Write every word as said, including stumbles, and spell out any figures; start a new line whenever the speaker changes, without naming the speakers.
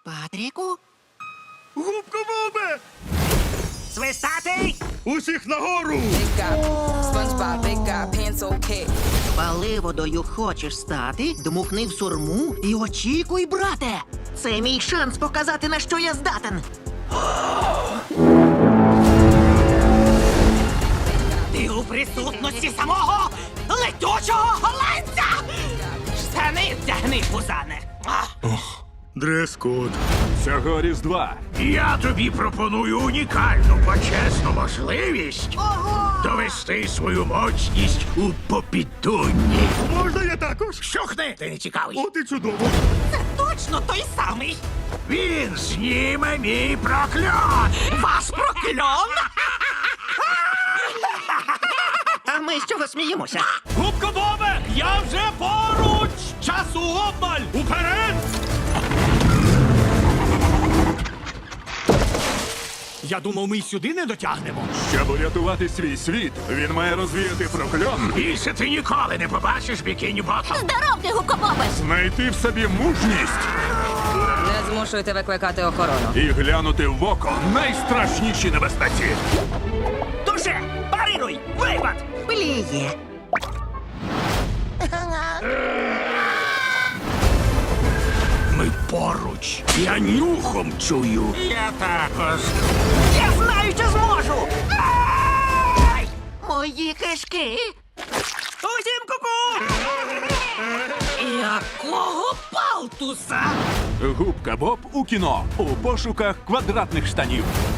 Патріку?
Губка Бобе!
Свистатий!
Усіх нагору!
Big guy, SpongeBob, big guy, pants okay.
Паливодою хочеш стати, дмухни в сурму і очікуй, брате! Це мій шанс показати, на що я здатен. Ти у присутності самого летючого голландця! Штани вдягни, пузане!
Дрес-код.
Цього Різдва
Я тобі пропоную унікальну почесну можливість
Ого!
довести свою моцність у попідунні.
Можна я також?
Щухни, ти не цікавий.
От і чудово.
Це точно той самий!
Він зніме мій прокльон.
Ваш прокльон! А ми з чого сміємося?
Губка Бобе! Я вже поруч! Часу обмаль! Уперед! Я думав, ми й сюди не дотягнемо.
щоб урятувати свій світ, він має розвіяти прокльон,
Більше ти ніколи не побачиш бікіні Ботом.
Здоров ти, гукобобе!
знайти в собі мужність
Не змушуйте викликати охорону.
і глянути в око найстрашніші небезпеці.
Дуже! Парируй! Випад! Пліє!
Ми поруч. Я нюхом чую. Я також.
Я знаю, що зможу! Ай! Мої кишки! Усім ку-ку! Якого палтуса?
Губка Боб у кіно у пошуках квадратних штанів.